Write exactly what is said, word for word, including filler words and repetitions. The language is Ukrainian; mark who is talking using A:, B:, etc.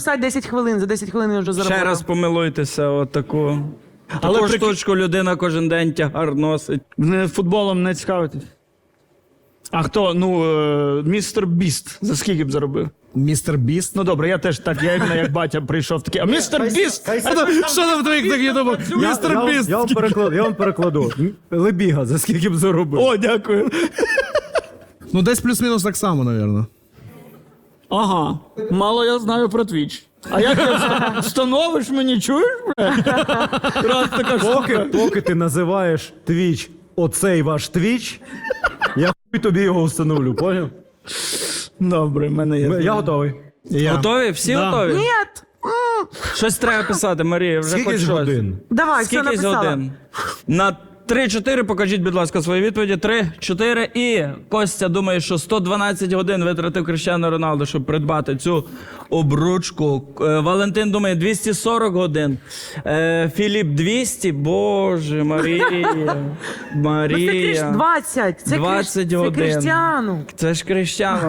A: записати десять хвилин, за десять хвилин він вже заробив.
B: Ще раз помилуйтеся, отаку.
C: Але
B: Таку
C: при-
B: штучку людина кожен день тягар носить.
C: Не футболом не цікавитесь? А хто? Ну, е, містер Біст. За скільки б заробив?
D: Містер Біст.
C: Ну добре, я теж так, я іменно як батя прийшов такий. А містер Біст!
D: Що там в твоїх таких думав? Містер Біст.
E: Я вам перекладу, я вам перекладу. Лебіга, за скільки б заробив.
C: О, дякую.
D: Ну, десь плюс-мінус так само, напевно.
C: Ага, мало я знаю про твіч. А як ти вста- встановиш мені, чуєш, бля? Раз така
E: Поки,
C: штука.
E: поки ти називаєш твіч оцей ваш твіч, я хуй тобі його встановлю, поняв?
C: Добре, в мене є.
E: Я готовий.
D: Я.
B: Готові? Всі
C: Да.
B: готові?
A: Ні!
B: Щось треба писати, Марія, вже
E: Скільки
B: хоч
E: ж
B: щось.
E: годин?
A: Давай, все
B: Скільки
A: написала.
B: годин? На три-чотири покажіть, будь ласка, свої відповіді. три, чотири і Костя думає, що сто дванадцять годин витратив Кріштіану Роналду, щоб придбати цю обручку. Е, Валентин думає двісті сорок годин. Е, Філіп двісті. Боже, Марія.
A: Ну, це Кріш...
B: Марія.
A: двадцять. Це,
B: двадцять
A: Кріш... це
B: годин.
A: Кріштіану.
B: Це ж Кріштіану.